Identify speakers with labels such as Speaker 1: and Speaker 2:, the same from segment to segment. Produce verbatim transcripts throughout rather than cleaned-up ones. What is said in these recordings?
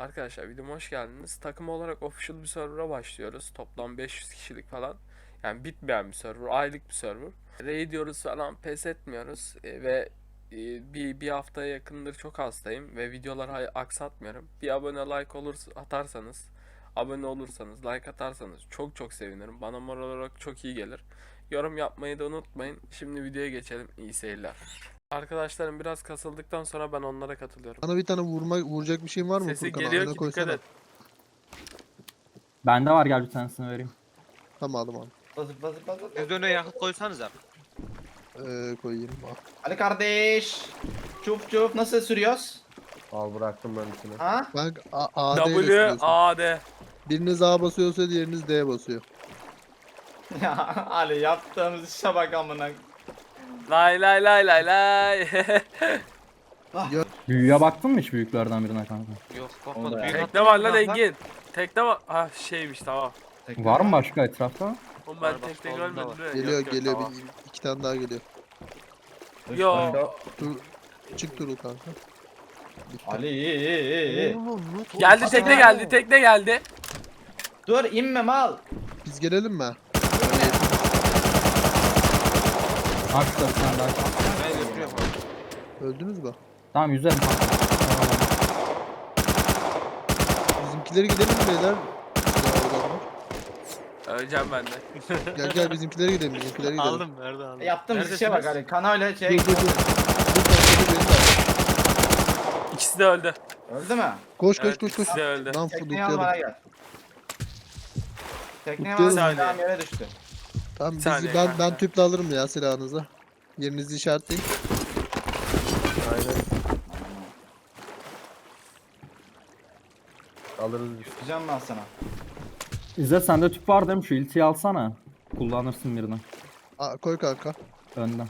Speaker 1: Arkadaşlar videoma hoş geldiniz. Takım olarak official bir server'a başlıyoruz. Toplam beş yüz kişilik falan. Yani bitmeyen bir server, aylık bir server. Raid diyoruz falan, pes etmiyoruz. E, ve e, bir, bir haftaya yakındır çok hastayım ve videoları aksatmıyorum. Bir abone like olur atarsanız, abone olursanız, like atarsanız çok çok sevinirim. Bana moral olarak çok iyi gelir. Yorum yapmayı da unutmayın. Şimdi videoya geçelim. İyi seyirler. Arkadaşlarım biraz kasıldıktan sonra ben onlara katılıyorum.
Speaker 2: Bana bir tane vurma vuracak bir şeyin var mı
Speaker 1: Sesi
Speaker 2: Furkan?
Speaker 1: geliyor
Speaker 2: Oyuna
Speaker 1: ki dikkat
Speaker 2: koysana.
Speaker 1: et.
Speaker 3: Bende var, gel bir tanesini vereyim.
Speaker 2: Tamam aldım abi.
Speaker 4: Basıp basıp basıp.
Speaker 5: Siz önüne yakıt koysanıza.
Speaker 2: Ee, koyayım abi.
Speaker 4: Ali kardeş. Çuf çuf nasıl sürüyoruz?
Speaker 6: Al bıraktım ben içine.
Speaker 4: Ha?
Speaker 2: Bak A, A D ile
Speaker 1: W
Speaker 2: sürüyorsun.
Speaker 1: A D.
Speaker 2: Biriniz A basıyorsa diğeriniz D basıyor.
Speaker 4: Ya Ali yaptığımız işe bak amına.
Speaker 1: Lay lay lay lay lay.
Speaker 3: Büyüye baktın mı hiç büyüklerden birine kanka?
Speaker 5: Yok
Speaker 4: Onu
Speaker 5: bakmadım.
Speaker 4: da
Speaker 5: Büyük
Speaker 4: ya.
Speaker 1: Tekne
Speaker 5: hatta
Speaker 1: var lan
Speaker 5: biraz
Speaker 1: Engin. Tekne var. Ah şeymiş tamam.
Speaker 3: Var mı başka etrafta?
Speaker 1: Oğlum
Speaker 5: Var,
Speaker 1: ben
Speaker 5: bak,
Speaker 1: tekne
Speaker 5: solunda
Speaker 1: görmedim.
Speaker 5: var.
Speaker 1: de.
Speaker 2: Geliyor
Speaker 1: Yok, yok,
Speaker 2: geliyor.
Speaker 1: tamam.
Speaker 2: Bir, iki tane daha geliyor.
Speaker 1: Yo.
Speaker 2: Dur. Çık Turul kanka. Bitti.
Speaker 4: Ali iyi iyi iyi iyi.
Speaker 1: Geldi tekne geldi tekne geldi.
Speaker 4: Dur inme mal.
Speaker 2: Biz gelelim mi?
Speaker 3: Arkadaşlar bir tane daha.
Speaker 5: Ben götürüyorum.
Speaker 2: Öldünüz mü?
Speaker 3: Tamam, yüzerim kanka.
Speaker 2: Bizimkileri gidelim mi beyler? Ya, adamlar.
Speaker 1: Öleceğim ben de.
Speaker 2: Gel gel bizimkileri gidelim bizimkileri gidelim.
Speaker 5: Aldım nerede aldım.
Speaker 4: Yaptığımız işe bak Ali. Kanayla şey.
Speaker 2: Dur dur dur. Dur kanka dur beni de al.
Speaker 1: İkisi de öldü.
Speaker 4: Öldü mü?
Speaker 2: Koş koş
Speaker 1: Evet,
Speaker 2: koş koş.
Speaker 1: ikisi de öldü.
Speaker 2: Lan
Speaker 4: Tekneyi al
Speaker 2: fuduklayalım.
Speaker 4: bana gel. Tekneyi
Speaker 2: Tutuyorum.
Speaker 4: al silahım yere düştü.
Speaker 2: Tamam
Speaker 1: Bir
Speaker 2: biz,
Speaker 1: saniye
Speaker 2: ben,
Speaker 1: kanka.
Speaker 2: ben tüple alırım ya silahınızı. Yerinizi işaretleyin.
Speaker 6: Aynen. Alırız biz.
Speaker 4: Güzel ben sana.
Speaker 3: İzzet, sende tüp var değil mi? Şu iltiyi alsana. Kullanırsın birini.
Speaker 2: Aa, koy kanka.
Speaker 3: Önden.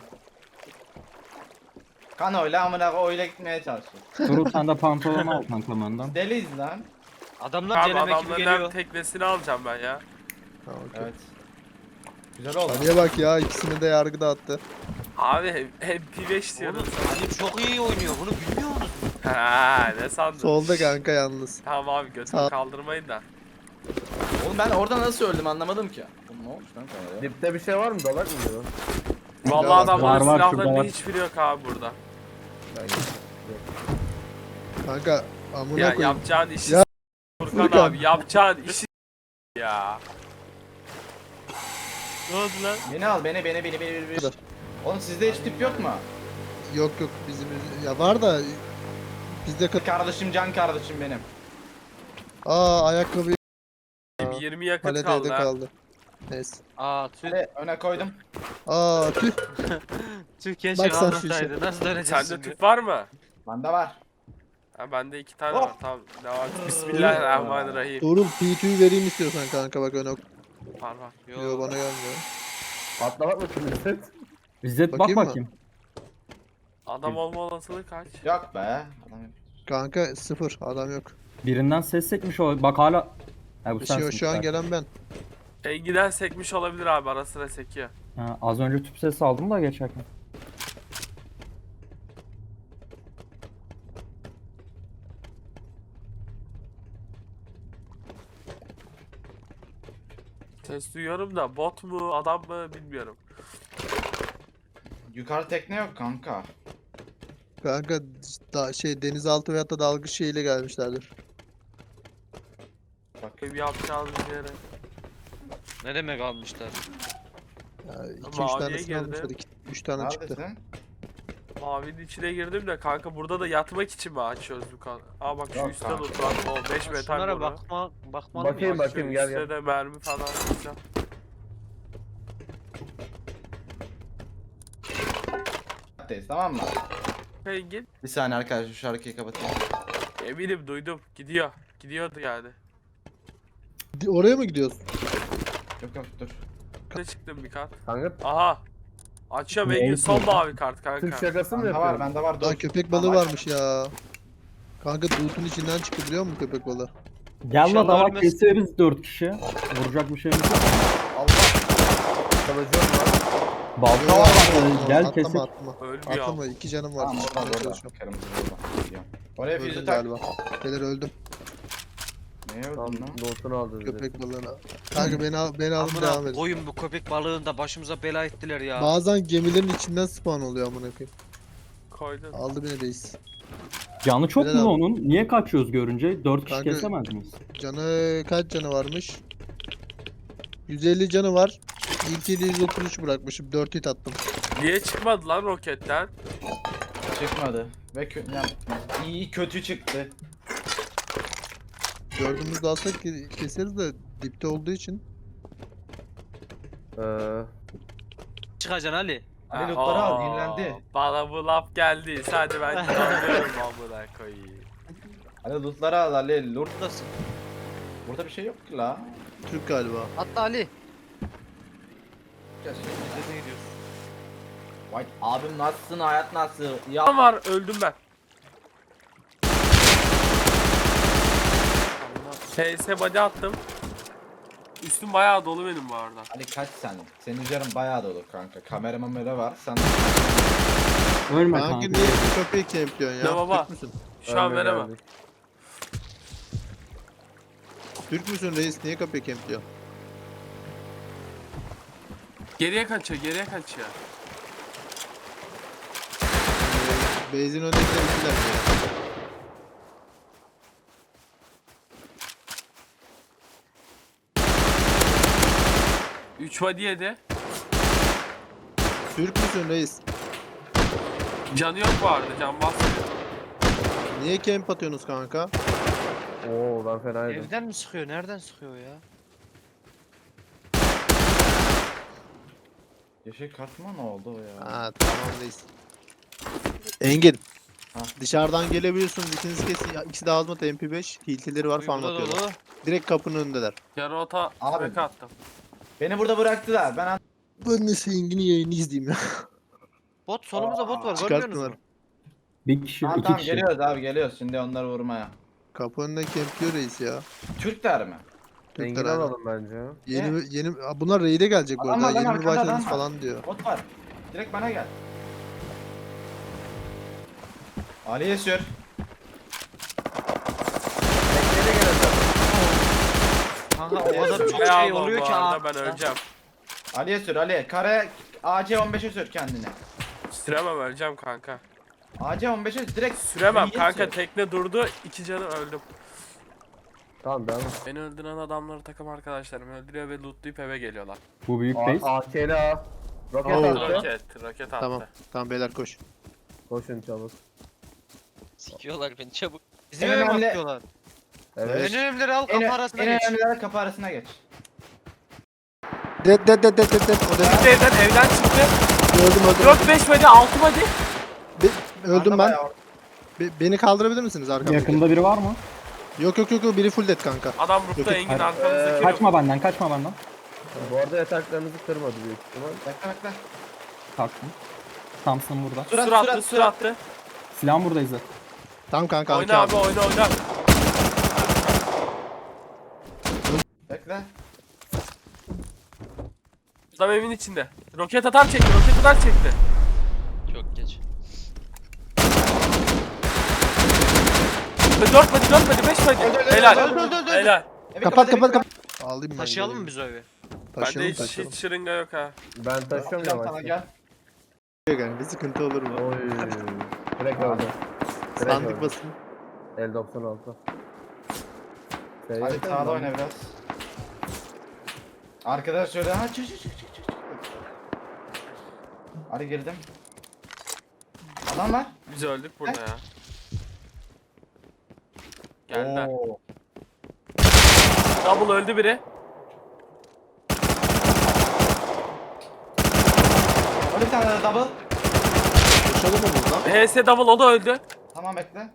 Speaker 4: Kanoyla amına öyle gitmeye çalışıyor.
Speaker 3: Turul, sen de pantolonu al kanka önden.
Speaker 4: Deliyiz lan.
Speaker 5: Adamlar
Speaker 1: Tamam
Speaker 5: deneme gibi
Speaker 1: adamların
Speaker 5: geliyor.
Speaker 1: teknesini alacağım ben ya.
Speaker 2: Ha, okey.
Speaker 4: Evet. Güzel oldu.
Speaker 2: Ali'ye bak ya ikisini de yargıda attı.
Speaker 1: Abi hep P beş diyorum.
Speaker 5: Oğlum Ali çok iyi oynuyor. Bunu bilmiyor musun?
Speaker 1: Ha ne sandın?
Speaker 2: Solda kanka yalnız.
Speaker 1: Tamam abi götümü
Speaker 2: Sağ-
Speaker 1: kaldırmayın da.
Speaker 4: Oğlum ben orada nasıl öldüm anlamadım ki. Oğlum ne olmuş lan kanaya?
Speaker 6: Dipte bir şey var mı? Dalak mı diyor?
Speaker 1: Vallahi
Speaker 2: var,
Speaker 1: adamların
Speaker 3: var, şurada
Speaker 1: silahlarının
Speaker 3: var.
Speaker 1: hiçbiri yok abi burada.
Speaker 6: Ben
Speaker 2: Kanka amına
Speaker 1: Ya
Speaker 2: koyayım.
Speaker 1: yapacağın işi
Speaker 2: Ya,
Speaker 1: s- Furkan
Speaker 2: Furkan.
Speaker 1: abi yapacağın işi s- ya.
Speaker 5: Ne oldu lan?
Speaker 4: Beni al beni beni beni beni beni.
Speaker 2: Kadar.
Speaker 4: Oğlum sizde hiç tip yok mu?
Speaker 2: Yok yok bizim ya var da bizde kat.
Speaker 4: Kardeşim can kardeşim benim.
Speaker 2: Aa ayakkabı
Speaker 1: yirmi yakıt
Speaker 2: paletede
Speaker 1: kaldı ha.
Speaker 2: kaldı. Neyse.
Speaker 5: Aa tüh.
Speaker 4: Hadi öne koydum.
Speaker 2: Aa tüh.
Speaker 5: Tüh keşke
Speaker 2: Bak sen şu
Speaker 5: kalmasaydı. Nasıl döneceğiz
Speaker 1: Sende
Speaker 5: şimdi?
Speaker 1: tüp var mı?
Speaker 4: Bende var.
Speaker 1: Ha bende iki tane
Speaker 4: Hop.
Speaker 1: var tamam. Devam. Bismillahirrahmanirrahim.
Speaker 2: Tuğrul P iki'yi vereyim istiyorsan kanka bak öne.
Speaker 1: Var var.
Speaker 2: Yo bana gelmiyor.
Speaker 6: Patlamak mı şimdi?
Speaker 3: İzzet bak
Speaker 2: Bakayım mı?
Speaker 3: bakayım.
Speaker 1: Adam olma olasılığı kaç?
Speaker 4: Yok be. Adam yok.
Speaker 2: Kanka sıfır adam yok.
Speaker 3: Birinden ses sekmiş o. Bak hala. Ha, bu
Speaker 2: Şu,
Speaker 3: sensin.
Speaker 2: şu an
Speaker 3: sen.
Speaker 2: gelen ben.
Speaker 1: Engi'den sekmiş olabilir abi ara sıra sekiyor.
Speaker 3: Ha, az önce tüp sesi aldım da geçerken.
Speaker 1: Ses duyuyorum da bot mu adam mı bilmiyorum.
Speaker 4: Yukarı tekne yok kanka.
Speaker 2: Kanka da, şey denizaltı veyahut da dalgıç şeyiyle gelmişlerdir.
Speaker 1: Benim yapacağım bir yere.
Speaker 5: Ne demek almışlar?
Speaker 2: iki üç
Speaker 1: Maviye
Speaker 2: tanesini
Speaker 1: girdi.
Speaker 2: almışlar. üç tane çıktı.
Speaker 4: Neredesin?
Speaker 1: Mavinin içine girdim de kanka burada da yatmak için mi açıyoruz bu kan? Aa bak şu
Speaker 4: Yok
Speaker 1: üstte
Speaker 4: kanka.
Speaker 1: loot var. O beş metal
Speaker 5: Şunlara
Speaker 1: boru.
Speaker 5: bakma, bakmadım
Speaker 6: Bakayım,
Speaker 5: ya.
Speaker 6: bak. Bakayım, gel,
Speaker 1: Üstte
Speaker 6: gel.
Speaker 1: de mermi falan alacağım.
Speaker 4: Neredeyiz tamam mı?
Speaker 1: Engin.
Speaker 4: Bir saniye arkadaşlar şu şarkıyı kapatayım.
Speaker 1: Eminim duydum. Gidiyor. Gidiyordu yani.
Speaker 2: Di- Oraya mı gidiyoruz?
Speaker 4: Yok yok dur.
Speaker 1: Ne çıktım bir kart.
Speaker 6: Kanka
Speaker 1: Aha. Açıyorum
Speaker 3: Ne
Speaker 1: Engin.
Speaker 3: Engin?
Speaker 1: Son mavi kart kanka.
Speaker 6: Türk şakası mı
Speaker 4: Bende var
Speaker 6: yapıyorsun?
Speaker 4: bende var dur.
Speaker 2: Lan köpek balığı
Speaker 4: Ama-
Speaker 2: varmış ya. Kanka loot'un içinden çıktı biliyor musun köpek balığı?
Speaker 3: Gel la
Speaker 5: İnşallah
Speaker 3: da bak,
Speaker 5: ölmez.
Speaker 3: keseriz dört kişi. Vuracak bir şeyimiz yok.
Speaker 4: Allah.
Speaker 6: Kalıcı var.
Speaker 3: Balta
Speaker 2: Yo,
Speaker 3: var.
Speaker 2: atlama,
Speaker 3: Gel
Speaker 2: atlama,
Speaker 3: kesip.
Speaker 2: atlama.
Speaker 1: Ölmüyor.
Speaker 2: Atlama iki canım var.
Speaker 4: Tamam
Speaker 2: Çıkmaya
Speaker 4: orada orada.
Speaker 2: çalışıyorum.
Speaker 4: Kırmızı orada. Gidiyorum. Oraya füze
Speaker 2: Öldüm
Speaker 4: tak.
Speaker 2: galiba. Beyler öldüm.
Speaker 4: Neye
Speaker 6: Tam
Speaker 4: öldün lan?
Speaker 6: lootunu aldı bizi.
Speaker 2: Köpek balığına. Kanka beni al, beni alın devam
Speaker 5: Amına
Speaker 2: edin.
Speaker 5: koyun bu köpek balığını da başımıza bela ettiler ya.
Speaker 2: Bazen gemilerin içinden spawn oluyor amına koyayım.
Speaker 1: Koydum.
Speaker 2: Aldı beni reis.
Speaker 3: Canı çok
Speaker 2: Helal
Speaker 3: mu
Speaker 2: abi.
Speaker 3: onun? Niye kaçıyoruz görünce? dört kişi
Speaker 2: Kanka-
Speaker 3: kesemez miyiz?
Speaker 2: Canı kaç canı varmış? yüz elli canı var. İlk ili yüz otuz üç bırakmışım. dört hit attım.
Speaker 1: Niye çıkmadı lan roketten?
Speaker 4: Çıkmadı. Ve kö yani iyi kötü çıktı.
Speaker 2: Dördümüz de alsak ke- keseriz de dipte olduğu için.
Speaker 6: Ee,
Speaker 5: Çıkacaksın Ali.
Speaker 4: Ali lootları al,
Speaker 1: Aa,
Speaker 4: dinlendi.
Speaker 1: Bana bu laf geldi. Sadece ben anlıyorum amına koyayım.
Speaker 4: Ali lootları al Ali. Loot.
Speaker 5: Buradasın.
Speaker 4: Burada bir şey yok ki la.
Speaker 2: Türk galiba.
Speaker 5: Hatta Ali.
Speaker 4: Gel şimdi.
Speaker 5: Nereye gidiyorsun?
Speaker 4: Vay abim nasılsın, hayat nasıl? Ya
Speaker 1: Adam var öldüm ben. P S body attım. Üstüm bayağı dolu benim bu arada.
Speaker 4: Ali kaç sen? Senin üzerine bayağı dolu kanka. Kamera mamera var. Sen
Speaker 3: Ölme
Speaker 2: Kanka
Speaker 3: kanka.
Speaker 2: niye bu köpeği kempliyorsun ya?
Speaker 1: Ne baba?
Speaker 2: Türk müsün?
Speaker 1: Şu an
Speaker 6: ölme
Speaker 1: veremem.
Speaker 6: geldik.
Speaker 2: Türk müsün reis? Niye köpeği kempliyorsun?
Speaker 1: Geriye kaçıyor, geriye kaçıyor.
Speaker 2: Benzin önündekiler ikiler ya.
Speaker 1: üç body yedi.
Speaker 2: Türk müsün reis?
Speaker 1: Canı yok bu arada, can basmıyor.
Speaker 2: Niye camp atıyorsunuz kanka?
Speaker 6: Oo ben fenaydım.
Speaker 5: Evden mi sıkıyor? Nereden sıkıyor ya?
Speaker 4: yeşil kartma ne oldu o ya?
Speaker 2: Ha tamam reis. Engin.
Speaker 4: Ha.
Speaker 2: Dışarıdan gelebiliyorsunuz. İkiniz kesin. Ya, İkisi de azmat M P beş. Hiltileri var falan
Speaker 5: Burada
Speaker 2: atıyorlar.
Speaker 5: dolu.
Speaker 2: Direkt kapının önündeler.
Speaker 1: Yarı ota
Speaker 4: Abi.
Speaker 1: smoke attım.
Speaker 4: Beni burada bıraktılar. Ben an-
Speaker 2: Ben de Engin'in yayını izleyeyim ya.
Speaker 5: Bot solumuzda bot var. Görmüyorsunuz
Speaker 2: Çıkarttılar.
Speaker 5: mu?
Speaker 3: Bir kişi,
Speaker 4: Tamam
Speaker 3: iki
Speaker 4: tamam
Speaker 3: kişi.
Speaker 4: geliyoruz abi geliyoruz şimdi onları vurmaya.
Speaker 2: Kapı önünden campliyor reis ya.
Speaker 4: Türkler mi?
Speaker 2: Türkler
Speaker 6: Engin
Speaker 2: aynen.
Speaker 6: alalım bence.
Speaker 2: Yeni yeni Aa, bunlar raid'e gelecek bu
Speaker 4: Adam
Speaker 2: arada.
Speaker 4: var lan,
Speaker 2: Yeni mi
Speaker 4: arkada adam
Speaker 2: başladınız
Speaker 4: var.
Speaker 2: falan diyor.
Speaker 4: Bot var. Direkt bana gel. Ali'ye sür.
Speaker 5: Kanka o kadar çok
Speaker 1: Bayağı
Speaker 5: şey
Speaker 1: almam
Speaker 5: oluyor
Speaker 1: bu
Speaker 5: ki
Speaker 1: arada,
Speaker 5: ha.
Speaker 1: ben öleceğim.
Speaker 4: Ali'ye sür Ali. Kare A C on beşe sür kendine.
Speaker 1: Süremem, öleceğim kanka.
Speaker 4: A C on beşe direkt
Speaker 1: Süremem
Speaker 4: Ali'ye
Speaker 1: kanka,
Speaker 4: sür.
Speaker 1: tekne durdu, iki canı öldüm.
Speaker 6: Tamam devam et.
Speaker 1: Beni öldüren adamları takım arkadaşlarım öldürüyor ve lootlayıp eve geliyorlar.
Speaker 3: Bu büyük
Speaker 6: A-
Speaker 3: base.
Speaker 6: A K L A. Roket
Speaker 2: Oo.
Speaker 6: attı.
Speaker 1: Roket, roket attı.
Speaker 2: Tamam. Tamam beyler koş.
Speaker 6: Koşun çabuk.
Speaker 7: Sikiyorlar beni çabuk.
Speaker 5: Bizim
Speaker 4: En
Speaker 5: eve
Speaker 4: önemli-
Speaker 5: bakıyorlar.
Speaker 6: Evet.
Speaker 5: En önemlileri al
Speaker 4: En,
Speaker 5: kapı arasına
Speaker 4: en
Speaker 5: geç.
Speaker 4: önemlileri kapı arasına geç.
Speaker 2: Dead dead dead dead dead dead. O dead.
Speaker 1: Çıktı evden, evden çıktı.
Speaker 2: Öldüm öldüm.
Speaker 1: dört beş body, altı body.
Speaker 2: Be- öldüm
Speaker 4: Arda
Speaker 2: ben.
Speaker 4: bayağı-
Speaker 2: Be- beni kaldırabilir misiniz arkamda?
Speaker 3: Yakında biri var mı?
Speaker 2: Yok yok yok yok, biri full dead kanka.
Speaker 1: Adam
Speaker 2: Yok,
Speaker 1: rufta,
Speaker 2: yok.
Speaker 1: Engin
Speaker 3: Hayır.
Speaker 1: arkamızdaki roof.
Speaker 3: Kaçma benden, kaçma benden.
Speaker 6: Bu arada yataklarınızı kırmadı büyük ihtimal.
Speaker 4: Bekle bekle.
Speaker 3: Kalktım. Thompson burada.
Speaker 4: Surat,
Speaker 1: Sur attı,
Speaker 4: surat,
Speaker 1: sur
Speaker 4: surat.
Speaker 1: attı.
Speaker 3: Silahım burada İzzet.
Speaker 2: Tamam kanka.
Speaker 1: Oyna abi, oyna oyna.
Speaker 4: Bekle.
Speaker 1: Adam evin içinde. Roket atar çekti, roket atar çekti.
Speaker 7: Çok geç.
Speaker 1: dört body, dört body, beş body.
Speaker 4: Öldü, öldü,
Speaker 1: Helal.
Speaker 4: öldü, öldü, öldü.
Speaker 1: Helal.
Speaker 4: Evi
Speaker 2: Kapat
Speaker 4: evi
Speaker 2: kapat kapat. Alayım ben.
Speaker 5: Taşıyalım
Speaker 2: geri.
Speaker 5: mı biz o evi?
Speaker 1: Bende
Speaker 2: Taşıyalım
Speaker 1: hiç,
Speaker 2: taşıyalım.
Speaker 1: hiç şırınga yok ha.
Speaker 6: Ben taşıyorum
Speaker 4: Atacağım sana
Speaker 6: yavaşça.
Speaker 4: gel.
Speaker 2: Yani bir sıkıntı olur mu?
Speaker 6: Oy. Direkt öldü. Direkt
Speaker 2: Sandık
Speaker 6: öldü.
Speaker 2: basın.
Speaker 6: L doksan altı. Şey
Speaker 4: Hadi
Speaker 6: yapayım
Speaker 4: sağda
Speaker 6: mı?
Speaker 4: oyna biraz. Arkadaş şöyle ha çık çık çık çık çık. çık. Hadi girdim. Adam var.
Speaker 1: Biz öldük burada ya. Geldiler.
Speaker 4: Oo.
Speaker 1: Double öldü biri.
Speaker 4: Öyle bir tane de double.
Speaker 2: Koşalım mı buradan?
Speaker 1: H S double, o da öldü.
Speaker 4: Tamam bekle.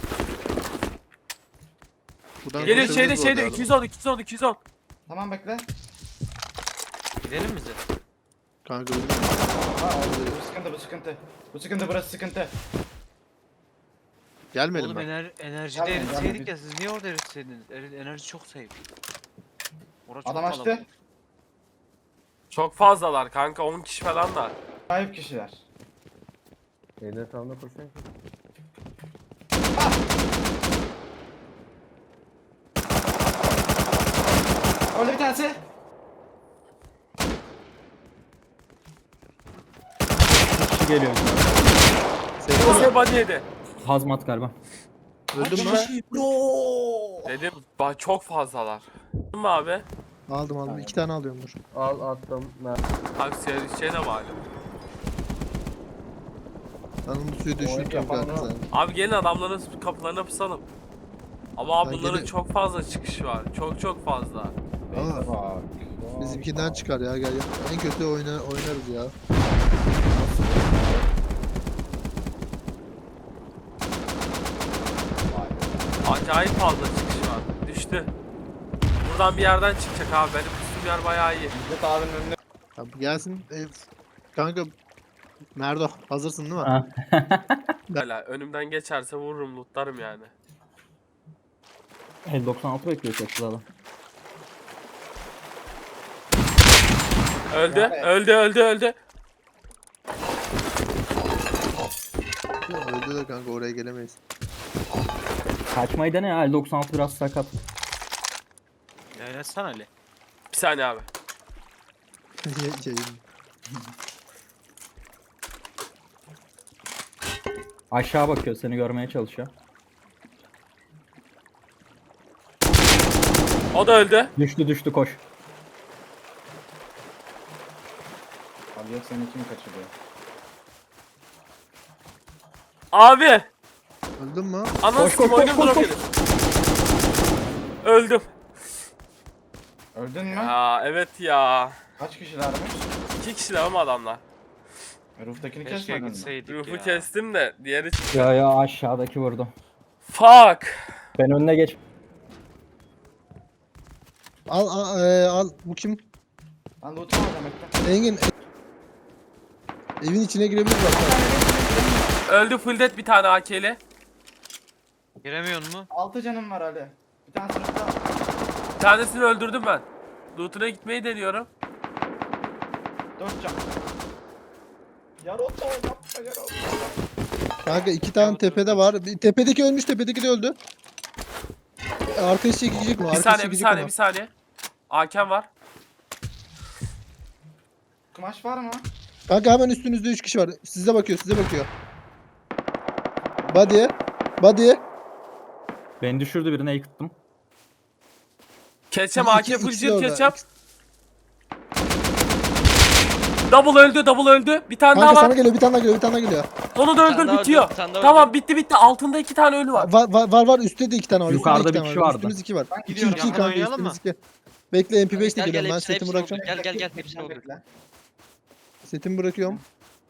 Speaker 2: Buradan
Speaker 1: Geliyor
Speaker 2: koşabiliriz
Speaker 1: şeyde
Speaker 2: bu
Speaker 1: şeyde
Speaker 2: arada.
Speaker 1: iki yüz on, iki yüz on, iki yüz on.
Speaker 4: Tamam bekle.
Speaker 5: Gidelim bize.
Speaker 2: Kanka bilmiyorum.
Speaker 4: Ha, oldu. Bu sıkıntı bu sıkıntı. Bu sıkıntı burası sıkıntı.
Speaker 2: Gelmedim
Speaker 5: Oğlum
Speaker 2: ben.
Speaker 5: ener enerjide
Speaker 4: Gelmeyin,
Speaker 5: eritseydik
Speaker 4: gelmeyin.
Speaker 5: ya, siz niye orada eritseydiniz? Er- enerji çok safe. Orası çok
Speaker 4: Adam açtı.
Speaker 5: kalabalık.
Speaker 1: Çok fazlalar kanka, on kişi falan da.
Speaker 4: Sahip kişiler.
Speaker 6: Şeyin etrafında koşuyor ki.
Speaker 4: Öldü bir tanesi.
Speaker 3: Kişi geliyor.
Speaker 1: Kose body yedi.
Speaker 3: Hazmat galiba.
Speaker 2: Öldün mü?
Speaker 1: Dedim bak çok fazlalar. Değil mi abi?
Speaker 2: Aldım aldım. İki tane alıyorum dur.
Speaker 6: Al attım. Mer-
Speaker 1: Taksiye düşeceğine bağlı.
Speaker 2: Ben onu suya
Speaker 6: Oyun
Speaker 2: düşürtüyorum
Speaker 6: yapan
Speaker 2: kanka
Speaker 6: ne?
Speaker 2: sen.
Speaker 1: Abi gelin adamların kapılarına pusalım. Ama abi
Speaker 2: Ben
Speaker 1: bunların
Speaker 2: gene-
Speaker 1: çok fazla çıkışı var. Çok çok fazla.
Speaker 2: Ama
Speaker 4: Bak.
Speaker 2: bizimkinden çıkar ya gel. gel. En kötü oyna, oynarız ya.
Speaker 1: Acayip fazla çıkış var. Düştü. Buradan bir yerden çıkacak abi. Benim üstüm yer bayağı iyi.
Speaker 4: İzzet abinin önüne.
Speaker 2: Abi gelsin. E, kanka Merdo hazırsın değil mi?
Speaker 3: Ha.
Speaker 1: Hala önümden geçerse vururum, lootlarım yani.
Speaker 3: El doksan altı bekliyor çatıda adam.
Speaker 1: Öldü,
Speaker 4: Yani-
Speaker 1: öldü, öldü, öldü.
Speaker 2: Öldü de kanka oraya gelemeyiz.
Speaker 3: Kaçmayı dene ya. El doksan altı biraz sakat.
Speaker 5: Yayınlatsana Ali.
Speaker 1: Bir saniye abi.
Speaker 2: Şey,
Speaker 3: Aşağı bakıyor. Seni görmeye çalışıyor.
Speaker 1: O da öldü.
Speaker 3: Düştü düştü koş.
Speaker 4: Abi yok seni kim kaçırıyor?
Speaker 1: Abi!
Speaker 2: Öldün mü?
Speaker 1: Anasını
Speaker 3: Koş, koş,
Speaker 1: oyunu
Speaker 3: koş, koş,
Speaker 1: bırakın. Öldüm.
Speaker 4: Öldün mü?
Speaker 1: Aa evet ya.
Speaker 4: Kaç kişilermiş?
Speaker 1: İki kişiler ama adamlar.
Speaker 4: Roof'takini
Speaker 5: Keşke
Speaker 4: kesmedin mi?
Speaker 5: gitseydik
Speaker 1: Rufu
Speaker 5: ya.
Speaker 1: kestim de diğeri çıktı.
Speaker 3: Ya ya aşağıdaki vurdu.
Speaker 1: Fuck.
Speaker 3: Ben önüne geç.
Speaker 2: Al al, e, al. Bu kim?
Speaker 4: Ben loot'umu alacağım bekle.
Speaker 2: Engin. e- Evin içine girebilir bak.
Speaker 1: Öldü full dead bir tane A K'li.
Speaker 5: Giremiyor mu?
Speaker 4: altı canım var Ali. Bir tane sınıfta.
Speaker 1: Bir tanesini öldürdüm ben. Loot'una gitmeyi deniyorum.
Speaker 4: dört can. Yaroto yapma Yaroto.
Speaker 2: Kanka iki tane tepede var. Bir, tepedeki ölmüş, tepedeki de öldü. E, Arkadaşı çekecek mi?
Speaker 1: Bir
Speaker 2: Arkadaşı
Speaker 1: saniye, bir
Speaker 2: çekecek
Speaker 1: saniye,
Speaker 2: mi?
Speaker 1: bir saniye. Hakem var.
Speaker 4: Kumaş var mı?
Speaker 2: Kanka hemen üstünüzde üç kişi var. Size bakıyor, size bakıyor. Body. Body.
Speaker 3: Beni düşürdü birine yıktım.
Speaker 1: Keçem
Speaker 2: İki-
Speaker 1: A K
Speaker 2: ikisi
Speaker 1: full
Speaker 2: de
Speaker 1: shield
Speaker 2: orada.
Speaker 1: keçem. Double öldü, double öldü. Bir tane
Speaker 2: Kanka
Speaker 1: daha
Speaker 2: sana
Speaker 1: var.
Speaker 2: geliyor, bir tane daha geliyor, bir tane daha geliyor.
Speaker 1: Onu da
Speaker 7: Bir tane
Speaker 1: öldür,
Speaker 7: daha
Speaker 1: bitiyor.
Speaker 7: öldü, bir tane daha
Speaker 1: Tamam,
Speaker 7: öldü.
Speaker 1: bitti bitti. Altında iki tane ölü var.
Speaker 2: Var var var, var. Üstte de iki tane var. üstte de
Speaker 3: Yukarıda
Speaker 2: iki
Speaker 3: bir
Speaker 2: tane
Speaker 3: kişi
Speaker 2: var.
Speaker 3: vardı.
Speaker 2: Üstümüz iki var.
Speaker 4: Ben
Speaker 2: İki
Speaker 4: gidiyorum.
Speaker 2: iki
Speaker 5: Yakın
Speaker 2: kanka,
Speaker 5: oynayalım
Speaker 2: üstümüz
Speaker 5: mı?
Speaker 2: iki. Bekle M P beş de
Speaker 7: Gel gel
Speaker 2: geliyorum ben,
Speaker 7: hepsini
Speaker 2: setimi
Speaker 7: hepsini
Speaker 2: bırakacağım.
Speaker 7: vur. Gel gel gel hepsini vur.
Speaker 4: Bekle.
Speaker 2: Setimi bırakıyorum.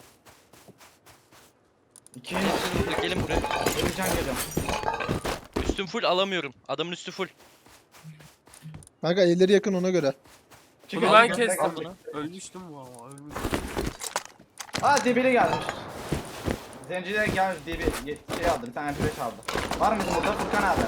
Speaker 4: İki.
Speaker 7: Hepsini vur. Gelin buraya.
Speaker 4: Bir can geliyorum.
Speaker 7: Üstüm full alamıyorum. Adamın üstü full.
Speaker 2: Kanka elleri yakın ona göre.
Speaker 4: Çık
Speaker 1: Bunu
Speaker 4: al,
Speaker 1: ben
Speaker 4: bekle,
Speaker 1: kestim.
Speaker 4: al.
Speaker 7: bunu.
Speaker 1: Ölmüştüm valla, ölmüştüm.
Speaker 4: Aa dibili gelmiş. Zenciler gelmiş dibi ye- şey aldı bir tane M P beş aldı. Var mı bizim burada Furkan abi?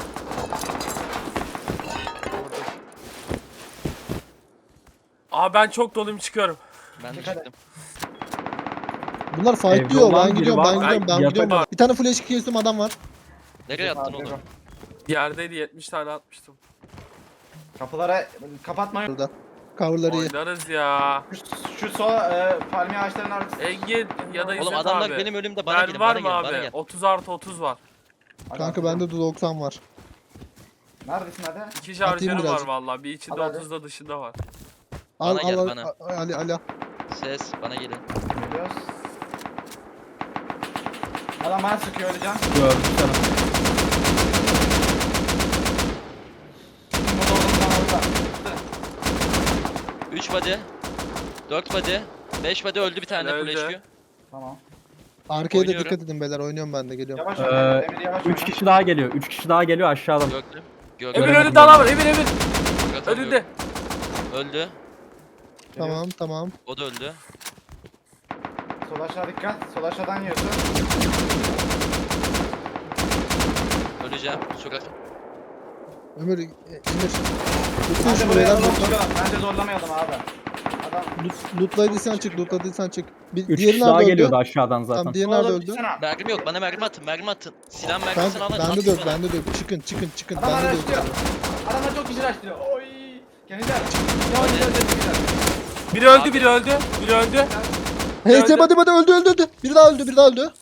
Speaker 1: Aa ben çok doluyum, çıkıyorum.
Speaker 7: Ben de
Speaker 4: Dikkat et.
Speaker 7: çıktım.
Speaker 2: Bunlar fight
Speaker 3: Evde
Speaker 2: diyor.
Speaker 3: olan
Speaker 2: Ben
Speaker 3: biri
Speaker 2: gidiyorum,
Speaker 3: var.
Speaker 2: ben gidiyorum, ben
Speaker 3: Ben
Speaker 2: gidiyorum.
Speaker 1: yatak-
Speaker 2: Bir tane flash kestim adam var.
Speaker 7: Nereye attın
Speaker 4: Abi,
Speaker 7: onu?
Speaker 1: Yerdeydi, yetmiş tane atmıştım.
Speaker 4: Kapılara kapatmayın.
Speaker 2: Burada. Coverları iyi.
Speaker 1: Oynarız ya.
Speaker 4: Şu, şu sol e, palmiye ağaçlarının arkası.
Speaker 1: Engin ya da İzzet
Speaker 7: Oğlum adamlar
Speaker 1: abi.
Speaker 7: benim ölümde bana
Speaker 1: Mermi
Speaker 7: gelin.
Speaker 1: var
Speaker 7: Bana
Speaker 1: mı
Speaker 7: gelin.
Speaker 1: abi?
Speaker 7: Bana gel.
Speaker 1: otuz artı otuz var.
Speaker 2: Kanka bende de doksan var.
Speaker 4: Neredesin hadi?
Speaker 1: İki
Speaker 2: Atayım
Speaker 1: şarjörüm var
Speaker 2: birazcık.
Speaker 1: valla. Bir içinde
Speaker 4: Al hadi.
Speaker 1: otuzda dışında var.
Speaker 2: Al
Speaker 7: Bana
Speaker 2: al
Speaker 7: gel,
Speaker 2: al.
Speaker 7: bana.
Speaker 2: al- Ali Ali.
Speaker 7: Ses bana gelin.
Speaker 4: Geliyoruz. Adam bana sıkıyor öleceğim.
Speaker 3: Gördüm seni.
Speaker 4: Burada olduğumdan orada.
Speaker 7: üç body. dört body. beş body öldü bir tane
Speaker 1: Öldü.
Speaker 7: full H Q.
Speaker 4: Tamam.
Speaker 2: Arkaya da
Speaker 7: Oynuyorum.
Speaker 2: dikkat edin beyler. Oynuyorum ben de geliyorum.
Speaker 4: Yavaş
Speaker 3: Ee,
Speaker 4: oyna. Emir yavaş oyna.
Speaker 3: üç kişi daha geliyor. üç kişi daha geliyor aşağıdan.
Speaker 7: Gördüm.
Speaker 1: Emir
Speaker 7: Gördüm.
Speaker 3: Göremedim
Speaker 1: önünde adam var.
Speaker 3: ben.
Speaker 1: Emir Emir.
Speaker 7: Murat
Speaker 1: Önünde.
Speaker 7: alıyorum. Öldü.
Speaker 2: Tamam tamam.
Speaker 7: O da öldü.
Speaker 4: Sol aşağı dikkat. Sol aşağıdan yiyorsun.
Speaker 7: Öleceğim. Sokak.
Speaker 2: Ömür e, Emir. Tutsun
Speaker 4: Bence
Speaker 2: şunu
Speaker 4: buraya
Speaker 2: beyler.
Speaker 4: alalım
Speaker 2: Lootla.
Speaker 4: çıkalım. Bence zorlamayalım abi. Adam.
Speaker 2: Loot- Lootladıysan çık. Lootladıysan çık. Bir,
Speaker 3: üç
Speaker 2: diğeri
Speaker 3: kişi daha
Speaker 2: nerede öldü?
Speaker 3: geliyordu aşağıdan zaten.
Speaker 2: Tamam diğeri nerede
Speaker 4: Oğlum,
Speaker 2: öldü?
Speaker 4: gitsene.
Speaker 7: Mermim yok. Bana mermi atın. Mermi atın. Silah mermisini
Speaker 2: Kanka
Speaker 7: alın.
Speaker 2: bende
Speaker 7: atın
Speaker 2: de yok,
Speaker 7: bana.
Speaker 2: bende de yok. Çıkın çıkın çıkın.
Speaker 4: Adam
Speaker 2: Bende de
Speaker 4: araştırıyor.
Speaker 2: yok.
Speaker 4: Adamlar çok kişi araştırıyor. Oy. Gençler. Ya oynayacağız gençler.
Speaker 1: Biri öldü, biri öldü, biri öldü.
Speaker 2: H S
Speaker 1: Öldü.
Speaker 2: hadi hadi öldü öldü öldü. Bir daha öldü bir daha öldü.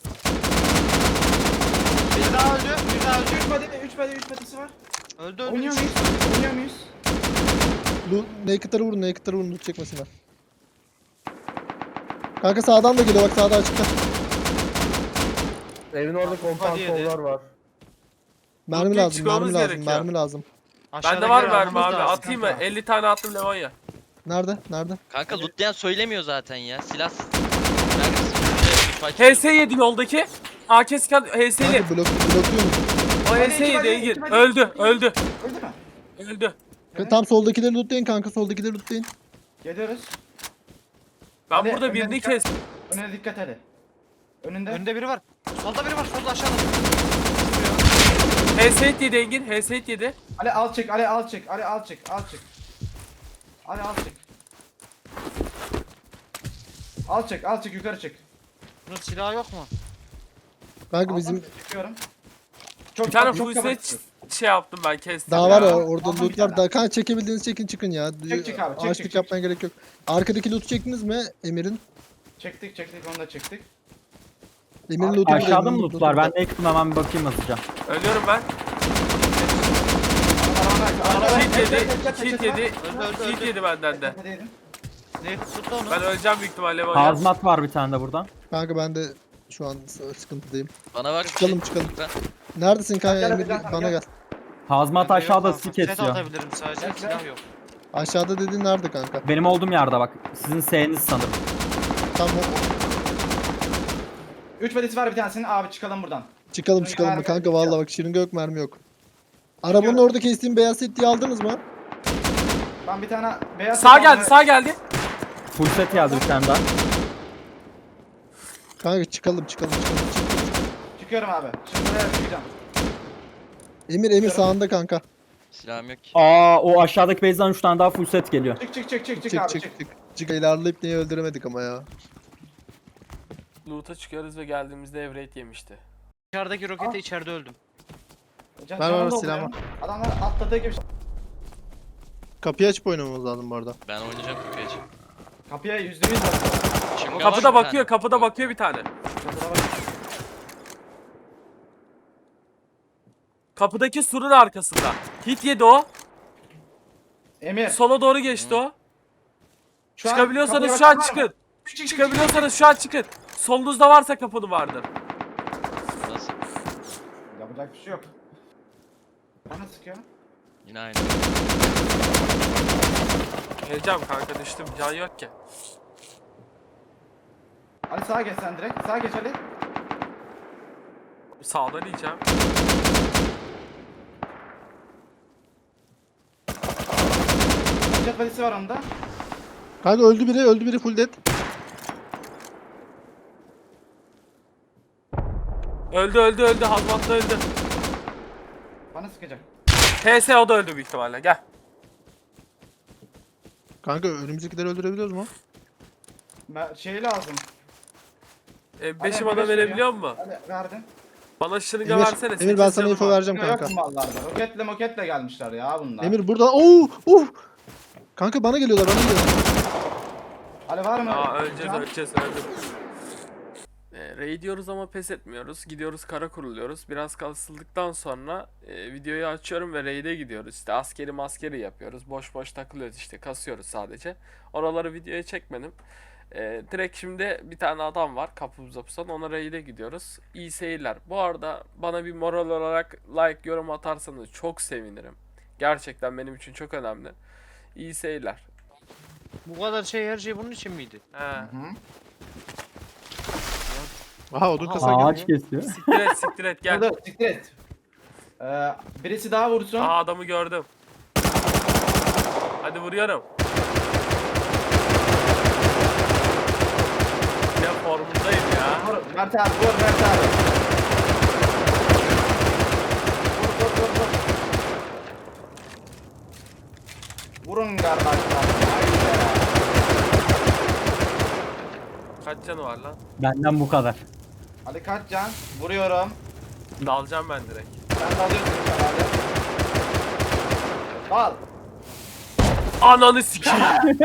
Speaker 5: Bir daha öldü. Bir daha öldü.
Speaker 4: üç body, üç body, üç body'si var.
Speaker 5: Öldü öldü.
Speaker 4: Oynuyor muyuz? Oynuyor muyuz?
Speaker 2: Lu Naked'ları vurun Naked'ları vurun loot çekmesinler. Kanka sağdan da geliyor bak sağda açıkta.
Speaker 6: Evin orada
Speaker 5: Hadi
Speaker 6: kompansörler var.
Speaker 2: Mermi
Speaker 1: Loot
Speaker 2: lazım
Speaker 1: çıkmamız
Speaker 2: mermi lazım
Speaker 1: gerekiyor.
Speaker 2: mermi lazım.
Speaker 1: Bende var
Speaker 5: Aşağıdakileri
Speaker 1: mermi
Speaker 5: almamız
Speaker 1: abi.
Speaker 5: lazım
Speaker 1: Atayım mı?
Speaker 5: kanka.
Speaker 1: elli tane attım Levonya.
Speaker 2: Nerede nerede?
Speaker 7: Kanka lootlayan söylemiyor zaten ya. Silah. Neredesin?
Speaker 1: H S yedi yoldaki. A K scan H S'li.
Speaker 2: Kanka blok blokluyor musun?
Speaker 1: O H S yedi Engin. Öldü, öldü,
Speaker 4: Öldü mü?
Speaker 1: öldü.
Speaker 2: Tam soldakileri lootlayın kanka soldakileri lootlayın.
Speaker 4: Geliyoruz.
Speaker 1: Ben
Speaker 4: Hadi,
Speaker 1: burada
Speaker 4: önden
Speaker 1: birini
Speaker 4: dikkat.
Speaker 1: kestim.
Speaker 4: Önüne dikkat hadi. Önünde.
Speaker 5: Önde biri var. Solda biri var. Solda aşağıda.
Speaker 1: H S yedi Engin, H S yedi.
Speaker 4: Ali al çık, Ali al çık, Ali al çık, al çık. Ali al çık. Al çık, al çık, yukarı çık.
Speaker 5: Bunun silahı yok mu?
Speaker 2: Kanka
Speaker 4: Aldım,
Speaker 2: bizim
Speaker 4: çıkıyorum. Çok
Speaker 1: Bir tane
Speaker 4: çok
Speaker 1: full
Speaker 4: kapat.
Speaker 1: set şey yaptım ben kestim.
Speaker 2: daha var ya
Speaker 1: ya.
Speaker 2: orada
Speaker 4: Aldım
Speaker 2: loot
Speaker 4: bir tane
Speaker 2: var. Daha kanka çekebildiğiniz çekin çıkın ya.
Speaker 4: Çek, çek abi, çek,
Speaker 2: Açlık
Speaker 4: çek,
Speaker 2: yapmaya gerek yok. Arkadaki loot'u çektiniz mi Emir'in?
Speaker 4: Çektik, çektik, onu da çektik.
Speaker 2: Emir'in
Speaker 4: Abi,
Speaker 2: loot'u burada,
Speaker 3: Aşağıda
Speaker 2: Emir'in
Speaker 3: mı
Speaker 2: loot'u
Speaker 3: lootlar?
Speaker 2: burada.
Speaker 3: Ben Naked'ım hemen bir bakayım hızlıca.
Speaker 1: Ölüyorum ben. Hit yedi, hit yedi, hit yedi benden de.
Speaker 5: Ne tuttu onu?
Speaker 1: Ben öleceğim büyük ihtimalle Levonya.
Speaker 3: Hazmat var bir tane de burada.
Speaker 2: Kanka ben de şu an s- sıkıntıdayım.
Speaker 7: Bana var bir
Speaker 2: Çıkalım,
Speaker 7: şey.
Speaker 2: çıkalım.
Speaker 7: Ben-
Speaker 2: Neredesin kanka
Speaker 4: Gel,
Speaker 2: Emir?
Speaker 4: gel, gel,
Speaker 2: Bana
Speaker 4: gel.
Speaker 2: gel.
Speaker 3: Hazmat
Speaker 5: Bende yok
Speaker 3: aşağıda
Speaker 5: kanka.
Speaker 3: sik
Speaker 5: Set
Speaker 3: esiyor.
Speaker 5: atabilirim sadece.
Speaker 4: Gel,
Speaker 5: Silah
Speaker 4: gel.
Speaker 5: yok.
Speaker 2: Aşağıda dediğin nerede kanka?
Speaker 3: Benim olduğum yerde bak. Sizin S'niz sanırım.
Speaker 2: Tamam
Speaker 4: üç badisi var bir tanesinin, abi çıkalım buradan.
Speaker 2: çıkalım
Speaker 4: Şırınga
Speaker 2: çıkalım
Speaker 4: mermi
Speaker 2: kanka
Speaker 4: yok.
Speaker 2: vallahi bak şırınga yok mermi yok. Arabanın
Speaker 4: Çıkıyorum.
Speaker 2: orada kestiğim beyaz setliği aldınız mı?
Speaker 4: Ben bir tane beyaz...
Speaker 1: Sağ geldi, sağ geldi.
Speaker 3: Full set geldi bir tane daha.
Speaker 2: Kanka çıkalım çıkalım çıkalım. Çık.
Speaker 4: Çıkıyorum abi. Şimdi buraya çıkacağım.
Speaker 2: Emir Emir sağında kanka.
Speaker 7: Silahım yok ki.
Speaker 3: Aa o aşağıdaki base'den üç tane daha full set geliyor.
Speaker 4: Çık çık çık çık çık
Speaker 2: Çık
Speaker 4: abi
Speaker 2: çık
Speaker 4: çık.
Speaker 2: çık. Çık ilerleyip niye öldüremedik ama ya.
Speaker 1: Loot'a çıkıyoruz ve geldiğimizde ev yemişti.
Speaker 5: Dışarıdaki rokete içeride öldüm.
Speaker 4: Can-
Speaker 2: Ver,
Speaker 4: canım
Speaker 2: ver,
Speaker 4: dolduruyorum.
Speaker 2: silahımı.
Speaker 4: Adamlar atladığı gibi.
Speaker 2: Kapıyı açıp oynamamız lazım bu arada.
Speaker 7: Ben oynayacağım kapıyı açıp.
Speaker 4: Kapıya yüzde yüz bakıyor.
Speaker 7: Şırınga var
Speaker 1: Kapıda
Speaker 7: bir
Speaker 1: bakıyor,
Speaker 7: tane.
Speaker 1: kapıda bakıyor bir tane.
Speaker 4: Kapıda bak.
Speaker 1: Kapıdaki surun arkasında. Hit yedi o.
Speaker 4: Emir.
Speaker 1: Sola doğru geçti o.
Speaker 4: Şu an
Speaker 1: Çıkabiliyorsanız
Speaker 4: kapıya
Speaker 1: şu an
Speaker 4: bakan var mı?
Speaker 1: çıkın.
Speaker 4: Çık, çık, çık,
Speaker 1: Çıkabiliyorsanız şu an çıkın. Solunuzda varsa kapını vardır.
Speaker 7: Nasıl?
Speaker 4: çık. Yapacak bir şey yok. Bana sıkıyor.
Speaker 7: Yine aynı.
Speaker 1: Geleceğim kanka düştüm. Can yok ki.
Speaker 4: Ali sağa geç sen direkt. Sağa geç Ali.
Speaker 1: Sağdan yiyeceğim.
Speaker 4: Jet valisi var onda.
Speaker 2: Kanka öldü biri öldü biri full dead.
Speaker 1: Öldü öldü öldü. Hazmatlı öldü.
Speaker 4: Bana sıkacak.
Speaker 1: H S o da öldü büyük ihtimalle. Gel.
Speaker 2: Kanka önümüzdekileri öldürebiliyoruz mu?
Speaker 4: Ben şey lazım.
Speaker 1: E, beşim
Speaker 4: Hadi,
Speaker 1: adam
Speaker 4: beş
Speaker 1: verebiliyor mu?
Speaker 4: Ali verdim.
Speaker 1: Bana şırınga
Speaker 2: Emir,
Speaker 1: versene.
Speaker 2: Emir ben
Speaker 1: sekiz
Speaker 2: sana
Speaker 1: canım
Speaker 2: info
Speaker 1: var.
Speaker 2: vereceğim
Speaker 4: Yok
Speaker 2: kanka.
Speaker 4: mu mallarda? Roketle moketle gelmişler ya bunlar.
Speaker 2: Emir burada. Oo! Uh! Kanka bana geliyorlar bana geliyorlar.
Speaker 4: Ali var mı?
Speaker 1: Aa öleceğiz
Speaker 4: Can?
Speaker 1: öleceğiz öldüm. E, raid diyoruz ama pes etmiyoruz. Gidiyoruz kara kuruluyoruz. Biraz kasıldıktan sonra e, videoyu açıyorum ve raid'e gidiyoruz. İşte askeri maskeri yapıyoruz. Boş boş takılıyoruz işte kasıyoruz sadece. Oraları videoya çekmedim. E, direkt şimdi bir tane adam var kapımıza pusan ona raid'e gidiyoruz. İyi seyirler. Bu arada bana bir moral olarak like yorum atarsanız çok sevinirim. Gerçekten benim için çok önemli. İyi seyirler.
Speaker 5: Bu kadar şey her şey bunun için miydi?
Speaker 1: He.
Speaker 4: Hı.
Speaker 2: Aha odun kasa
Speaker 3: Ağaç
Speaker 2: geliyor.
Speaker 3: kesiyor.
Speaker 1: Siktir et siktir et gel.
Speaker 4: Dur, siktir et. Ee, birisi daha vursun.
Speaker 1: Aa adamı gördüm. Hadi vuruyorum. Ya formundayım ya.
Speaker 4: Vur, Mert abi vur Mert abi. Vur vur vur vur. Vurun kardeşler. Haydi.
Speaker 1: Kaç canı var lan?
Speaker 3: Benden bu kadar.
Speaker 4: Hadi kaç can? Vuruyorum.
Speaker 1: Dalacağım ben direkt.
Speaker 4: Sen de alıyorsun herhalde. Al.
Speaker 1: Ananı sikeyim.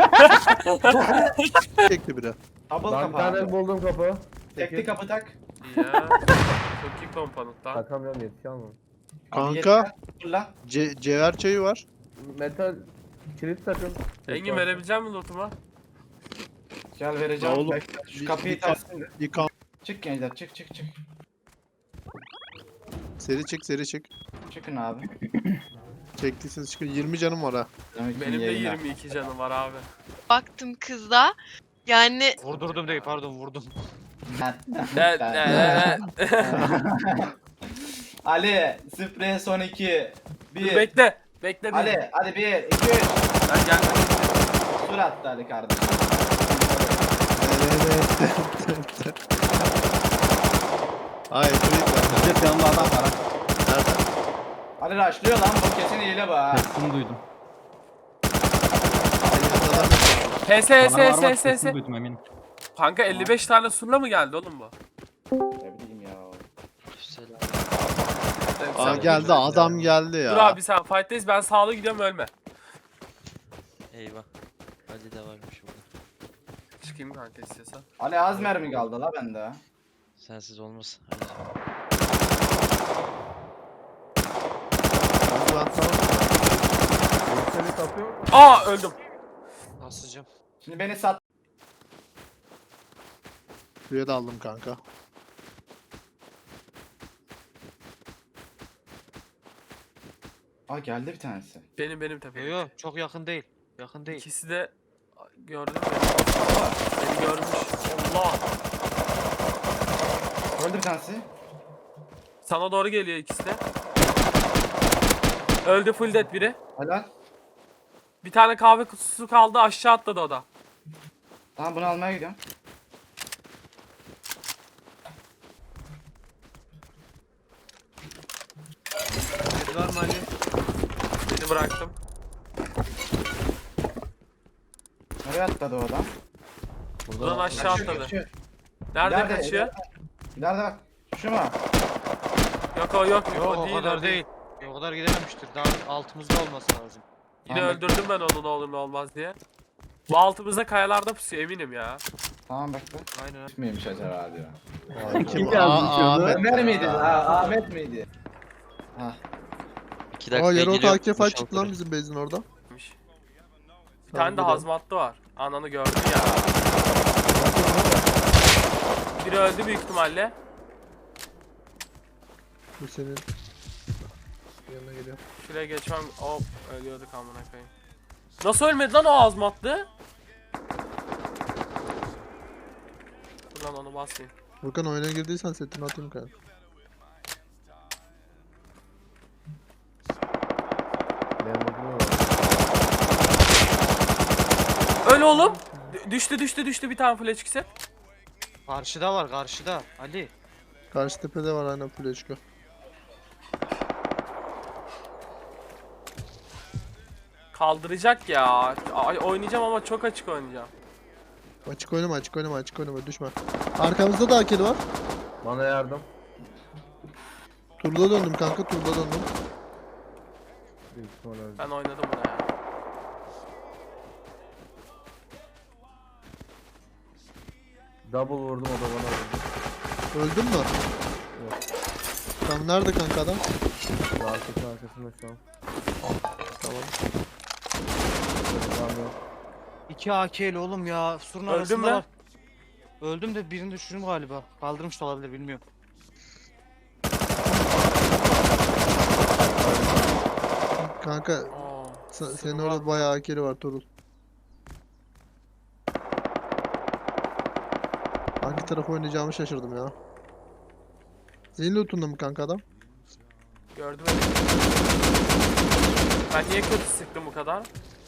Speaker 2: Çekti biri.
Speaker 4: Double
Speaker 6: Ben bir
Speaker 4: kapı
Speaker 6: tane
Speaker 4: abi.
Speaker 6: buldum kapı.
Speaker 4: Tekli kapı tak.
Speaker 1: Ya. Çok iyi komponent lan.
Speaker 6: Takamıyorum yetişiyor mu?
Speaker 4: Abi
Speaker 2: Kanka
Speaker 4: yeter. Fırla.
Speaker 2: ce cevher çayı var.
Speaker 6: Metal kilit takın.
Speaker 1: Engin verebilecek misin lootuma?
Speaker 4: Gel vereceğim.
Speaker 2: Ya oğlum,
Speaker 4: Bekle, Şu
Speaker 2: bir-
Speaker 4: kapıyı
Speaker 2: bir-
Speaker 4: tersin de.
Speaker 2: Yıkan.
Speaker 4: Çık gençler çık çık çık.
Speaker 2: Seri çık seri çık.
Speaker 4: Çıkın abi.
Speaker 2: Çektiyseniz çıkın. yirmi canım var ha.
Speaker 4: Demek ki
Speaker 1: Benim de
Speaker 4: yayınlar.
Speaker 1: yirmi iki canım var abi.
Speaker 8: Baktım kıza. Yani
Speaker 5: Vurdurdum değil pardon vurdum.
Speaker 1: Evet, evet.
Speaker 4: Ali, sprey son iki. Bir.
Speaker 1: Bekle. Bekle bir.
Speaker 4: Ali, hadi bir, iki, üç.
Speaker 1: Ben geldim.
Speaker 4: Sur attı Ali kardeşim.
Speaker 2: Evet. Hayır, Frit
Speaker 3: Jet yanında adam var ha.
Speaker 2: nerede?
Speaker 4: Ali rushlıyor lan, bu kesin hile bu ha.
Speaker 3: Sesini duydum.
Speaker 1: H S
Speaker 3: Bana var
Speaker 1: S
Speaker 3: bak,
Speaker 1: S S
Speaker 3: sesini
Speaker 1: S.
Speaker 3: duydum eminim.
Speaker 1: Kanka elli beş tane surla mı geldi oğlum bu?
Speaker 4: Ne bileyim ya.
Speaker 7: Selam.
Speaker 2: Aa
Speaker 1: Sen-
Speaker 2: geldi adam geldi ya.
Speaker 1: Dur abi sen fight'teyiz, ben sağlı gidiyorum, ölme.
Speaker 7: Eyvah. Ali de varmış burada.
Speaker 1: Çıkayım kanka istiyorsan.
Speaker 4: Ali az mermi kaldı la bende.
Speaker 7: Sensiz olmaz. Hadi.
Speaker 2: Ben tamam.
Speaker 6: Seni kapıyor.
Speaker 1: Aa öldüm.
Speaker 5: Asacağım.
Speaker 4: Şimdi beni sat.
Speaker 2: Suya da aldım kanka.
Speaker 4: Aa geldi bir tanesi.
Speaker 1: Benim benim
Speaker 5: Yo
Speaker 1: tepem.
Speaker 5: yo çok yakın değil. Yakın değil.
Speaker 1: İkisi de gördün mü? Beni görmüş. Allah.
Speaker 4: Öldü bir tanesi.
Speaker 1: Sana doğru geliyor ikisi de. Öldü, full dead biri.
Speaker 4: Helal.
Speaker 1: Bir tane kahve kutusu kaldı, aşağı atladı o da.
Speaker 4: Tamam bunu almaya gidiyorum.
Speaker 5: Red var mı Ali?
Speaker 1: Beni bıraktım.
Speaker 4: Nereye atladı o adam?
Speaker 1: Buradan aşağı
Speaker 4: Kaçıyor,
Speaker 1: atladı.
Speaker 4: kaçıyor.
Speaker 1: Nerede
Speaker 4: İleride,
Speaker 1: kaçıyor?
Speaker 4: İleride bak. Şu mu?
Speaker 1: Yok o yok.
Speaker 5: Yok
Speaker 1: o
Speaker 5: o
Speaker 1: değil,
Speaker 5: kadar
Speaker 1: o
Speaker 5: değil. O kadar gidememiştir. Daha altımızda olması lazım.
Speaker 1: Yine
Speaker 4: Tamam,
Speaker 1: öldürdüm ben onu ne olur ne olmaz diye. Bu altımızda kayalarda pusuyor eminim ya.
Speaker 4: Tamam bekle.
Speaker 5: Aynen.
Speaker 4: Miymiş acaba diyor.
Speaker 2: Kim?
Speaker 3: yazmış
Speaker 2: Aa,
Speaker 3: onu?
Speaker 2: Ahmet.
Speaker 4: Ömer miydi? Ha, Ahmet miydi? Ha.
Speaker 7: İki dakika
Speaker 2: Aa yarı
Speaker 7: geliyor.
Speaker 2: ota A K fight çıktı lan
Speaker 7: boşaltırım.
Speaker 2: bizim base'in orada.
Speaker 1: Bir tane de hazmatlı var. Ananı gördün ya. Biri öldü büyük ihtimalle.
Speaker 2: Bu senin. Yanına geliyor.
Speaker 1: Şuraya geçmem. Hop ölüyorduk amına koyayım. Nasıl ölmedi lan o hazmatlı? Buradan onu basmayayım.
Speaker 2: Furkan oyuna girdiysen setini atayım kanka.
Speaker 6: Benim buldum var.
Speaker 1: Öl oğlum. D- düştü düştü düştü bir tane flash set.
Speaker 5: Karşıda var karşıda. Ali.
Speaker 2: Karşı tepede var aynen Fleşko.
Speaker 1: Kaldıracak ya. Ay, oynayacağım ama çok açık oynayacağım.
Speaker 2: Açık oynama açık oynama açık oynama düşme. Arkamızda da akeli var.
Speaker 6: Bana yardım.
Speaker 2: Turda döndüm kanka turda döndüm.
Speaker 6: Büyük ihtimal öldü.
Speaker 1: Ben oynadım buna ya.
Speaker 6: Double vurdum o da bana vurdu.
Speaker 2: Öldün mü?
Speaker 6: Yok.
Speaker 2: Tam nerede kanka adam?
Speaker 6: Arkasının arkasında şu an.
Speaker 2: Tamam.
Speaker 6: Tamam yok.
Speaker 5: İki A K'li oğlum ya. Surun
Speaker 1: Öldün
Speaker 5: arasında
Speaker 1: mü?
Speaker 5: var. Öldüm de birini düşürdüm galiba. Kaldırmış da olabilir bilmiyorum.
Speaker 2: Kanka
Speaker 1: Oo,
Speaker 2: sen-
Speaker 1: sırma.
Speaker 2: senin orada bayağı akeli var Torul. Hangi tarafa oynayacağımı şaşırdım ya. Senin lootunda mı kanka adam?
Speaker 1: Gördüm beni. Ben niye kötü sıktım bu kadar?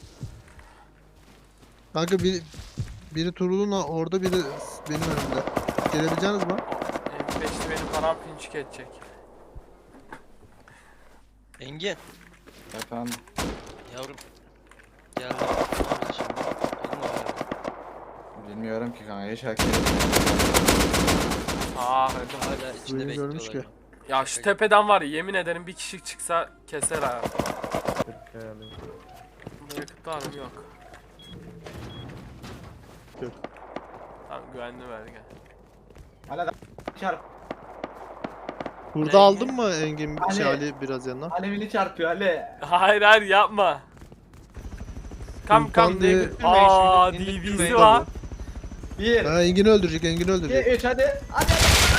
Speaker 2: Kanka biri, biri Turul'un orada biri benim önümde. Gelebileceğiniz mi?
Speaker 1: M beşli benim param pinçik edecek.
Speaker 7: Engin.
Speaker 4: Efendim.
Speaker 7: Yavrum. Geldi. Ne yapacağız şimdi? Alın o ayarı.
Speaker 4: Bilmiyorum ki kanka hiç hareket
Speaker 1: Aa,
Speaker 7: Hala içinde
Speaker 2: Duyunu görmüş
Speaker 7: bekliyorlar.
Speaker 2: ki.
Speaker 1: ya şu tepeden var ya yemin ederim bir kişi çıksa keser ha.
Speaker 6: Şey yani.
Speaker 1: Buraya var mı? Yok.
Speaker 2: Yok.
Speaker 1: Tamam güvenli bölge.
Speaker 4: Hala da çarp.
Speaker 2: Burada
Speaker 1: Rengi-
Speaker 2: aldın mı Engin
Speaker 4: Ali.
Speaker 2: şey Ali biraz yanına?
Speaker 4: Alevini çarpıyor Ali.
Speaker 1: Hayır hayır yapma. Kam
Speaker 2: Sultan
Speaker 1: kam
Speaker 2: diye-
Speaker 1: David. Aa D
Speaker 5: İndirtmeyin.
Speaker 1: V'si var.
Speaker 4: Bir,
Speaker 2: Ha Engin'i öldürecek, Engin'i
Speaker 4: iki,
Speaker 2: öldürecek.
Speaker 4: üç hadi. Hadi.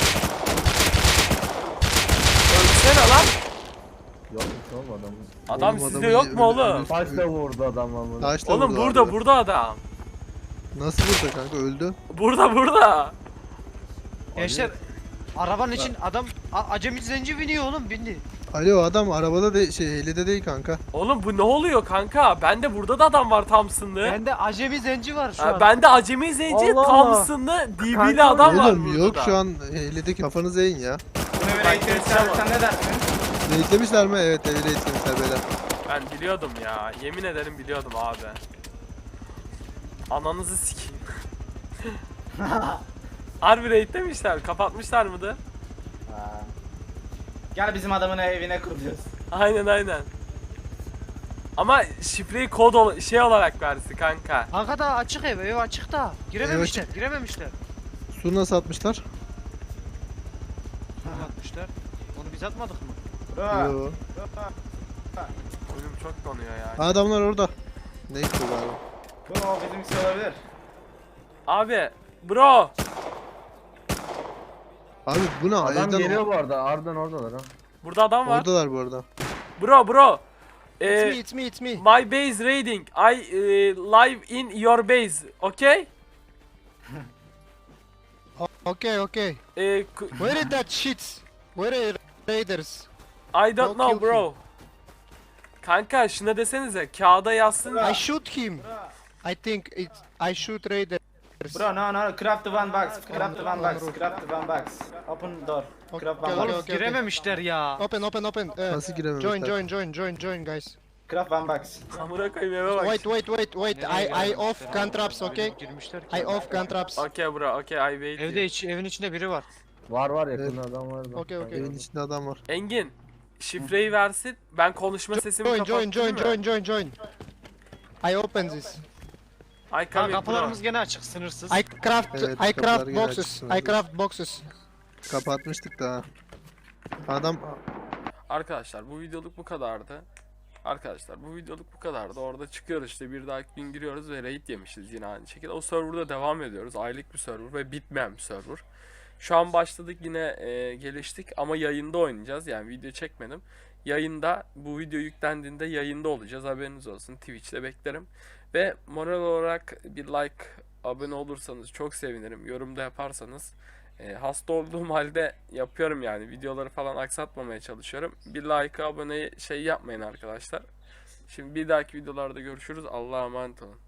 Speaker 1: Ölsene lan.
Speaker 6: Yokmuş oğlum adamın.
Speaker 1: Adam
Speaker 2: Oğlum,
Speaker 1: sizde
Speaker 2: adamı
Speaker 1: yok
Speaker 2: iyi-
Speaker 1: mu
Speaker 2: öyle-
Speaker 1: oğlum?
Speaker 2: öyle-
Speaker 6: Taşla vurdu adam ama.
Speaker 2: Taşla
Speaker 1: Oğlum
Speaker 2: vurdu
Speaker 1: burada
Speaker 2: abi.
Speaker 1: burada adam.
Speaker 2: Nasıl burada kanka öldü?
Speaker 1: Burada burada.
Speaker 5: Gençler arabanın için adam a- acemi zenci biniyor oğlum bindi.
Speaker 2: Ali o adam arabada de şey helide değil kanka.
Speaker 1: Oğlum bu ne oluyor kanka? Bende burada da adam var Thompson'lı.
Speaker 5: Bende acemi zenci var şu
Speaker 1: Ha,
Speaker 5: an.
Speaker 1: bende acemi zenci
Speaker 5: Allah Allah.
Speaker 1: Thompson'lı D B'li
Speaker 5: Kanka,
Speaker 1: adam var
Speaker 2: Oğlum
Speaker 1: burada
Speaker 2: yok
Speaker 1: da.
Speaker 2: şu an helideki kafanızı eğin ya.
Speaker 4: Bunu bir
Speaker 1: Bak,
Speaker 4: eğitim
Speaker 1: geçeceğim
Speaker 4: sen, sen ne dersin?
Speaker 2: Eğitlemişler mi? Evet evi eğitlemişler beyler.
Speaker 1: Ben biliyordum ya. Yemin ederim biliyordum abi. Ananızı sikeyim. Harbi raid demişler. Kapatmışlar mıdır?
Speaker 4: Ha. Gel bizim adamın evine kuruluyoruz.
Speaker 1: Aynen aynen. Ama şifreyi kod ol- şey olarak versi kanka.
Speaker 5: Kanka da açık ev, ev açık da. Girememişler, girememişler.
Speaker 2: Su nasıl atmışlar?
Speaker 5: Bunu atmışlar. Onu biz atmadık mı?
Speaker 4: Bro.
Speaker 2: Yo.
Speaker 1: Oyunum çok donuyor ya.
Speaker 2: Adamlar orada. Neyse galiba.
Speaker 4: Bu o bizimkisi olabilir.
Speaker 1: Abi bro.
Speaker 2: Abi bu ne?
Speaker 6: Adam
Speaker 2: Evden
Speaker 6: geliyor bu arada. Ardından oradalar ha.
Speaker 1: Burada adam var.
Speaker 2: oradalar bu arada.
Speaker 1: Bro bro.
Speaker 9: It's
Speaker 1: Ee,
Speaker 9: me, it's me, it's me.
Speaker 1: my base raiding. I eh, live in your base. Okay?
Speaker 9: Okay, okay.
Speaker 1: Eh, k-
Speaker 9: Where is that shit? Where are raiders?
Speaker 1: I don't
Speaker 9: Don't
Speaker 1: know
Speaker 9: kill
Speaker 1: bro. Kanka şuna desenize kağıda yazsın.
Speaker 9: I shoot him. I think it's I shoot raiders.
Speaker 4: Bro no no craft the one box. Craft the one box. Craft the one box. Open door.
Speaker 9: Okay,
Speaker 4: Craft one
Speaker 9: okay,
Speaker 4: box.
Speaker 5: Oğlum
Speaker 9: okay.
Speaker 5: girememişler ya.
Speaker 9: Open, open, open. Uh,
Speaker 2: Nasıl girememişler?
Speaker 9: join, join, join, join, join, guys.
Speaker 4: Craft one box.
Speaker 1: Amına koyayım eve bak.
Speaker 9: Wait, wait, wait, wait.
Speaker 5: Nereye
Speaker 9: I I
Speaker 5: girememişler
Speaker 9: off
Speaker 5: ya?
Speaker 9: gun traps, okay?
Speaker 5: Girmişler ki.
Speaker 9: I off gun traps.
Speaker 1: Okay bro, okay I wait.
Speaker 5: Evde iç, evin içinde biri var.
Speaker 6: Var var yakında adam var. da.
Speaker 9: Okay, okay.
Speaker 2: Evin içinde adam var.
Speaker 1: Engin şifreyi versin. Ben konuşma sesimi
Speaker 9: Join,
Speaker 1: kapattım
Speaker 9: join, join,
Speaker 1: mı?
Speaker 9: join, join, join. I open this.
Speaker 1: I
Speaker 5: Ha,
Speaker 1: come in bro.
Speaker 5: kapılarımız gene açık, sınırsız.
Speaker 9: I craft,
Speaker 2: Evet,
Speaker 9: I
Speaker 2: kapılar
Speaker 9: craft
Speaker 2: gene
Speaker 9: boxes.
Speaker 2: açıksın
Speaker 9: I
Speaker 2: abi.
Speaker 9: craft boxes.
Speaker 2: Kapatmıştık da. Adam
Speaker 1: Arkadaşlar bu videoluk bu kadardı. Arkadaşlar bu videoluk bu kadardı. Orada çıkıyoruz işte bir dahaki gün giriyoruz ve raid yemişiz yine aynı şekilde. O serverda devam ediyoruz. Aylık bir server ve bitmeyen bir server. Şu an başladık yine e, geliştik ama yayında oynayacağız. Yani video çekmedim. Yayında bu video yüklendiğinde yayında olacağız. Haberiniz olsun. Twitch'te beklerim. Ve moral olarak bir like, abone olursanız çok sevinirim. Yorumda yaparsanız. E, hasta olduğum halde yapıyorum yani. Videoları falan aksatmamaya çalışıyorum. Bir like, abone şey yapmayın arkadaşlar. Şimdi bir dahaki videolarda görüşürüz. Allah'a emanet olun.